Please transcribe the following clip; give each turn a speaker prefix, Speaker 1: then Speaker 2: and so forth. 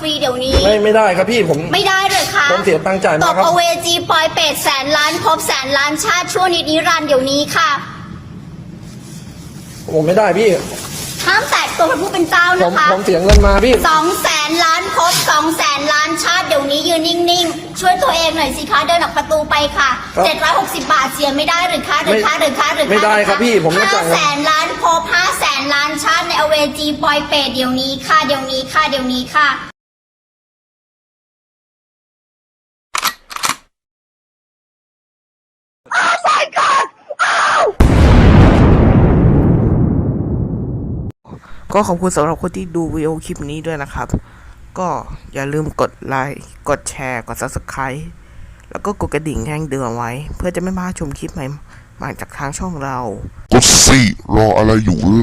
Speaker 1: รีเดี๋ยวนี้
Speaker 2: ไม่ได้ครับพี่ผม
Speaker 1: ไม่ได้เลยค่ะ
Speaker 2: ผมเสียตังค์จ่ายมา
Speaker 1: ต
Speaker 2: ครับ
Speaker 1: บอเวจีปอยเป็ดแสนล้านภพแสนล้านชาติชั่วนิรันดร์เดี๋ยวนี้ค่ะ
Speaker 2: ผมไม่ได้พี่
Speaker 1: ห้ามแตะตัวพระผู้เป็นเจ้า
Speaker 2: ผม
Speaker 1: นะคะ
Speaker 2: เสียเงินมาพี่
Speaker 1: 200,000 ล้านภพ200,000 ล้านชาติเดี๋ยวนี้ยืนนิ่งๆช่วยตัวเองหน่อยสิคะเดินออกประตูไปค่ะ
Speaker 2: ครับ
Speaker 1: 760 บาทเสียไม่ได้หรือคะหรือคะ
Speaker 2: ไม่ได้ครับพี่ผมไม่จ่ายเงิน
Speaker 1: 500,000 ล้านภพ500,000 ล้านชาติในอเวจีปอยเป็ดเดี๋ยวนี้ค่ะเดี๋ยวนี้ค่ะเดี๋ยวนี้ค่ะ
Speaker 3: ก็ขอบคุณสำหรับคนที่ดูวิดีโอคลิปนี้ด้วยนะครับ ก็อย่าลืมกดไลค์ กดแชร์ กด Subscribe แล้วก็กดกระดิ่งแจ้งเตือนไว้ เพื่อจะไม่พลาดชมคลิปใหม่มาจากทางช่องเรา
Speaker 4: กดสิรออะไรอยู่